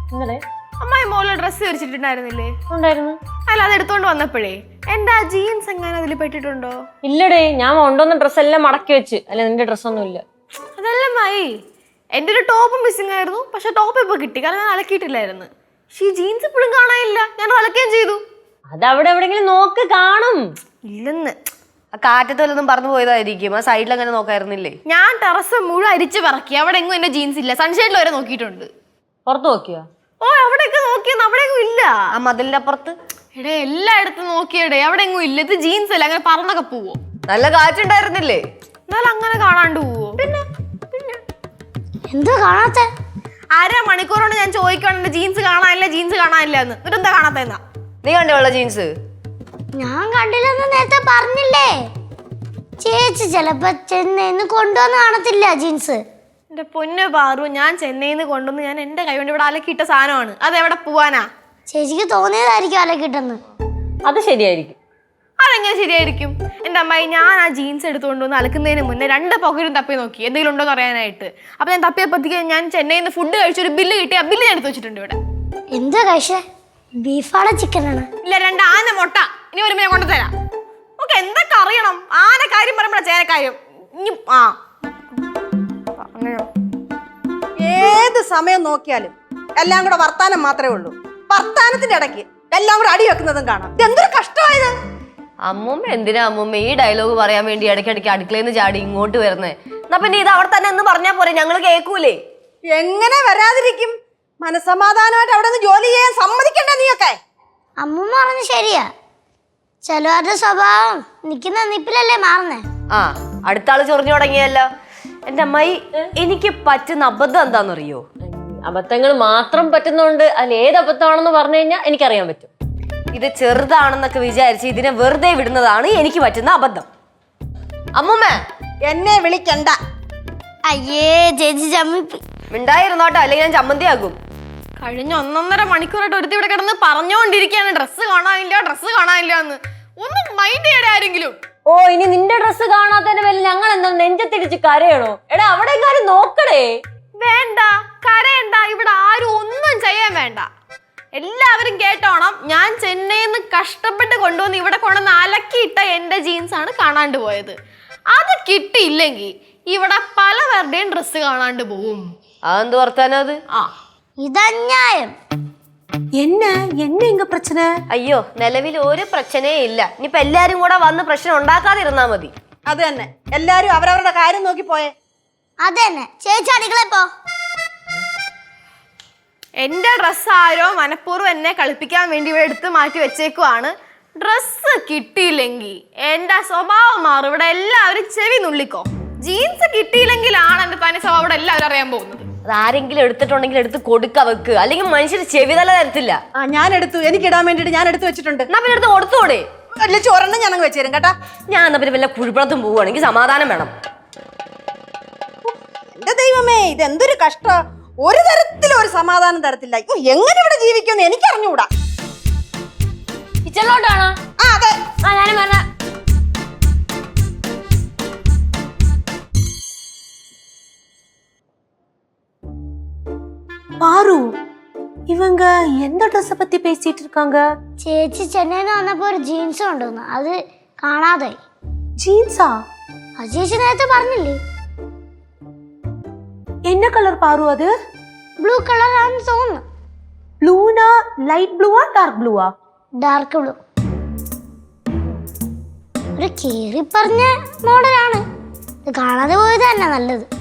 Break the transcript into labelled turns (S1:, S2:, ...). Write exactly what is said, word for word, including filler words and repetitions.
S1: ഇന്നലെ
S2: അമ്മായി മോള് ഡ്രസ്സ് ധരിച്ചിട്ടുണ്ടായിരുന്നില്ലേ?
S1: ഉണ്ടായിരുന്നു.
S2: അല്ല, അത് എടുത്തോണ്ട് വന്നപ്പോഴേ എന്റെ ആ ജീൻസ് എങ്ങനെ അതിൽ പെട്ടിട്ടുണ്ടോ?
S1: ഇല്ലടേ, ഞാൻ കൊണ്ടുവന്ന ഡ്രസ്സ് എല്ലാം മടക്കി വെച്ച്. അല്ല, നിന്റെ ഡ്രസ്സൊന്നും ഇല്ല.
S2: അതല്ല മായി, എന്റെ ഒരു ടോപ്പ് മിസ്സിംഗ് ആയിരുന്നു. പക്ഷെ ടോപ്പ് ഇപ്പൊ കിട്ടി, കാരണം ഞാൻ അലക്കിയിട്ടില്ലായിരുന്നു. പക്ഷെ ഈ ജീൻസ് ഇപ്പോഴും കാണാനില്ല. ഞാൻ അലക്കുകയും ചെയ്തു.
S1: അത് അവിടെ എവിടെങ്കിലും നോക്ക്, കാണും.
S2: ഇല്ലെന്ന്.
S3: കാറ്റത്ത് വല്ലതും പറന്നു പോയതായിരിക്കും. ആ സൈഡിൽ അങ്ങനെ നോക്കായിരുന്നില്ലേ?
S2: ഞാൻ ടെറസ് മുഴുവൻ അരിച്ചു പറക്കി. അവിടെ എങ്ങും എന്റെ ജീൻസ് ഇല്ല. സൺഷൈഡിൽ വരെ നോക്കിയിട്ടുണ്ട്.
S1: പുറത്ത് നോക്കിയോ?
S2: ഓ, അവിടെയൊക്കെ നോക്കിയെന്ന് അവിടെ എങ്ങും ഇല്ല.
S3: ആ മതിലിന്റെ അപ്പുറത്ത്
S2: എടേ, എല്ലായിടത്തും നോക്കിയടേ, അവിടെ എങ്ങും ഇല്ല. ഇത് ജീൻസ് അല്ല, അങ്ങനെ പറന്നൊക്കെ പോവോ?
S3: നല്ല കാറ്റുണ്ടായിരുന്നില്ലേ?
S2: എന്നാലും അങ്ങനെ കാണാണ്ട് പോവോ? പിന്നെ പിന്നെ
S4: എന്താ കാണാത്ത?
S2: അര മണിക്കൂറോണ്ട് ഞാൻ ചോദിക്കണ ജീൻസ് കാണാനില്ല, ജീൻസ് കാണാനില്ല എന്ന്. എന്നിട്ട് എന്താ കാണാത്ത?
S3: നീ കണ്ടോളൂ ജീൻസ്?
S4: ഞാൻ കണ്ടില്ലെന്ന് നേരത്തെ പറഞ്ഞില്ലേ. ചേച്ചി ചിലപ്പോ ചെന്നൈന്ന് കൊണ്ടുവന്ന് കാണത്തില്ല ജീൻസ്.
S2: എന്റെ പൊന്നു പാറു, ഞാൻ ചെന്നൈന്ന് കൊണ്ടുവന്ന് ഞാൻ എന്റെ കൈ കൊണ്ട് ഇവിടെ അലക്കിയിട്ട സാധനമാണ്. അത് എവിടെ പോവാനാ?
S4: ചേച്ചിക്ക് തോന്നിയതായിരിക്കും അലക്കിട്ടെന്ന്.
S1: അത് ശരിയായിരിക്കും.
S2: അതെങ്ങനെ ശരിയായിരിക്കും? എന്റെ അമ്മായി, ഞാൻ ആ ജീൻസ് എടുത്തുകൊണ്ടുവന്ന് അലക്കുന്നതിന് മുന്നേ രണ്ട് പോക്കറ്റും തപ്പി നോക്കി എന്തെങ്കിലും ഉണ്ടോ എന്ന് അറിയാനായിട്ട്. അപ്പൊ ഞാൻ തപ്പിയപ്പോഴത്തേക്ക് ഞാൻ ചെന്നൈയിൽ നിന്ന് ഫുഡ് കഴിച്ചൊരു ബില്ല് കിട്ടി. ആ ബില്ല് ഞാൻ എടുത്ത് വെച്ചിട്ടുണ്ട് ഇവിടെ.
S4: എന്താ കഴിച്ചേ? ബീഫാണോ ചിക്കനാണ്?
S2: ഇല്ല, രണ്ട് ആന മുട്ട. ഇനി വരുമ്പോ ഞാൻ കൊണ്ടുതരാം. ഓക്കെ, എന്തൊക്കെ അറിയണം? ആന കാര്യം പറയുമ്പോഴാ ചേനക്കാര്യം. ഇനി ആ
S5: ഏത് സമയം നോക്കിയാലും എല്ലാം കൂടെ വർത്താനം മാത്രമേ ഉള്ളൂ. വർത്താനത്തിന്റെ ഇടയ്ക്ക് എല്ലാം കൂടെ അടി വെക്കുന്നതും കാണാം. എന്തൊരു കഷ്ടമായത്.
S3: അമ്മൂമ്മ എന്തിനാ അമ്മൂമ്മ ഈ ഡയലോഗ് പറയാൻ വേണ്ടി ഇടയ്ക്കിടയ്ക്ക് അടുക്കളയിൽ നിന്ന് ചാടി ഇങ്ങോട്ട് വരുന്നേ? എന്നാ പിന്നെ ഇത് അവിടെ തന്നെ എന്ന് പറഞ്ഞാ പോരെ, ഞങ്ങൾ കേൾക്കൂലേ?
S5: എങ്ങനെ വരാതിരിക്കും? മനസമാധാനമായിട്ട് അവിടെ നിന്ന് ജോലി ചെയ്യാൻ സമ്മതിക്കണ്ടേ നീയൊക്കെ?
S4: അമ്മൂമ്മ പറഞ്ഞു ശരിയാ. ചിലവരുടെ സ്വഭാവം നിക്കുന്ന നിപ്പിലല്ലേ മാറുന്നേ.
S3: ആ, അടുത്ത ആള് ചൊറിഞ്ഞു തുടങ്ങിയല്ലോ. എന്റെ അമ്മായി, എനിക്ക് പറ്റുന്ന അബദ്ധം എന്താണെന്നറിയോ?
S1: അബദ്ധങ്ങൾ മാത്രം പറ്റുന്നുണ്ട്. അതിൽ ഏത് അബദ്ധമാണെന്ന് പറഞ്ഞു കഴിഞ്ഞാൽ എനിക്കറിയാൻ പറ്റും.
S3: ഇത് ചെറുതാണെന്നൊക്കെ വിചാരിച്ച് ഇതിനെ വെറുതെ വിടുന്നതാണ് എനിക്ക് പറ്റുന്ന അബദ്ധം. അമ്മൂമ്മ
S5: എന്നെ വിളിക്കണ്ട.
S4: അയ്യേ ചേച്ചി ചമ്മിപ്പി.
S3: മിണ്ടായിരുന്നോട്ടോ, അല്ലെങ്കിൽ ഞാൻ ചമ്മന്തിയാകും.
S2: കഴിഞ്ഞ ഒന്നൊന്നര മണിക്കൂറായിട്ട് ഒരുത്തി ഇവിടെ കിടന്ന് പറഞ്ഞുകൊണ്ടിരിക്കുകയാണ് ഡ്രസ്സ് കാണാനില്ല, ഡ്രസ്സ് കാണാനില്ല എന്ന്. ഒന്നും മൈൻഡ് ചെയ്യടേ ആരെങ്കിലും.
S1: ഓ, ഇനി നിന്റെ ഡ്രസ്സ് കാണാത്തതിന്റെ പേരിൽ ഞങ്ങൾ എന്താ നെഞ്ചത്തിടിച്ച് കരയണോ? എടാ, അവിടെ കാര്യം നോക്കടേ.
S2: വേണ്ട, കരയണ്ട. ഇവിടെ ആരും ഒന്നും ചെയ്യാൻ വേണ്ട. എല്ലാവരും കേട്ടോണം, ഞാൻ ചെന്നൈയിൽ നിന്ന് കഷ്ടപ്പെട്ട് കൊണ്ടുവന്ന് ഇവിടെ കൊണ്ടുവന്ന് അലക്കിയിട്ട എന്റെ ജീൻസ് ആണ് കാണാണ്ട് പോയത്. അത് കിട്ടിയില്ലെങ്കിൽ ഇവിടെ പലവരുടെയും ഡ്രസ്സ് കാണാണ്ട് പോവും.
S3: അതെന്ത് വർത്താനം അത്?
S2: ആ,
S4: ഇതന്യായം.
S6: என்ன என்ன இங்க பிரச்சனை?
S3: അയ്യോ, നിലവിൽ ഒരു പ്രശ്നമേ ഇല്ല. ഇനിയിപ്പോ എല്ലാരും കൂടെ വന്ന് പ്രശ്നം ഉണ്ടാക്കാതിരുന്നാ മതി.
S5: അത് തന്നെ, എല്ലാരും അവരവരുടെ കാര്യം നോക്കി പോയേ.
S4: അതന്നെ, ചേച്ചി അടുക്കള പോ.
S2: എന്റെ ഡ്രസ്സ് ആരോ മനഃപൂർവ്വം എന്നെ കളിപ്പിക്കാൻ വേണ്ടി ഇവിടെ എടുത്ത് മാറ്റി വെച്ചേക്കുവാണ്. ഡ്രസ്സ് കിട്ടിയില്ലെങ്കിൽ എന്റെ സ്വഭാവം മാറും. ഇവിടെ എല്ലാവരും ചെവി നുള്ളിക്കോ. ജീൻസ് കിട്ടിയില്ലെങ്കിലാണ് എന്റെ തനി സ്വഭാവം ഇവിടെ എല്ലാവരും അറിയാൻ പോകുന്നത്.
S3: അത് ആരെങ്കിലും എടുത്തിട്ടുണ്ടെങ്കിൽ എടുത്ത് കൊടുക്ക വെക്ക്, അല്ലെങ്കിൽ മനുഷ്യർ ചെവി തല തരത്തില്ല.
S5: ആ, ഞാൻ എടുത്തു. എനിക്ക് ഇടാൻ വേണ്ടിട്ട് ഞാൻ എടുത്തു വെച്ചിട്ടുണ്ട്.
S3: എന്നാ പിന്നെ എടുത്ത് കൊടുത്തോടെ.
S5: അല്ല, ചോറെണ്ണം ഞാനങ്ങ് വെച്ചേരും കേട്ടാ.
S3: ഞാൻ എന്നാ പിന്നെ വല്ല കുഴിപ്പുറത്തും പോവുകയാണെങ്കിൽ സമാധാനം വേണം.
S5: എന്റെ ദൈവമേ, ഇത് എന്തൊരു കഷ്ട. ഒരു തരത്തിലും ഒരു സമാധാനം തരത്തില്ല. എങ്ങനെ ഇവിടെ ജീവിക്കുമെന്ന് എനിക്കറിഞ്ഞുകൂടാ.
S1: കിച്ചണിലോട്ടാണോ?
S5: ആ, അതെ.
S1: ആ, ഞാനും പറഞ്ഞ
S6: பாரு, இவங்க எந்த ட்ரெஸ் பத்தி பேசிட்டு இருக்காங்க?
S4: ചേച്ചി ചെന്നൈന്ന് വന്നപ്പോ ഒരു ജീൻസ് കൊണ്ടുവന്നു, അത് കാണാതായി.
S6: ஜீன்ஸா?
S4: അത് ചേച്ചി നേരത്തെ പറഞ്ഞില്ലേ?
S6: என்ன கலர் பாரு அது?
S4: ബ്ലൂ കളർ ആണെന്ന് തോന്നുന്നു.
S6: ப்ளூனா லைட் ப்ளூவா டார்க் ப்ளூவா?
S4: Dark blue. ഒരു കീറി പറഞ്ഞ മോഡലാണ്. ഇത് കാണാതെ പോയത് തന്നെ നല്ലത്.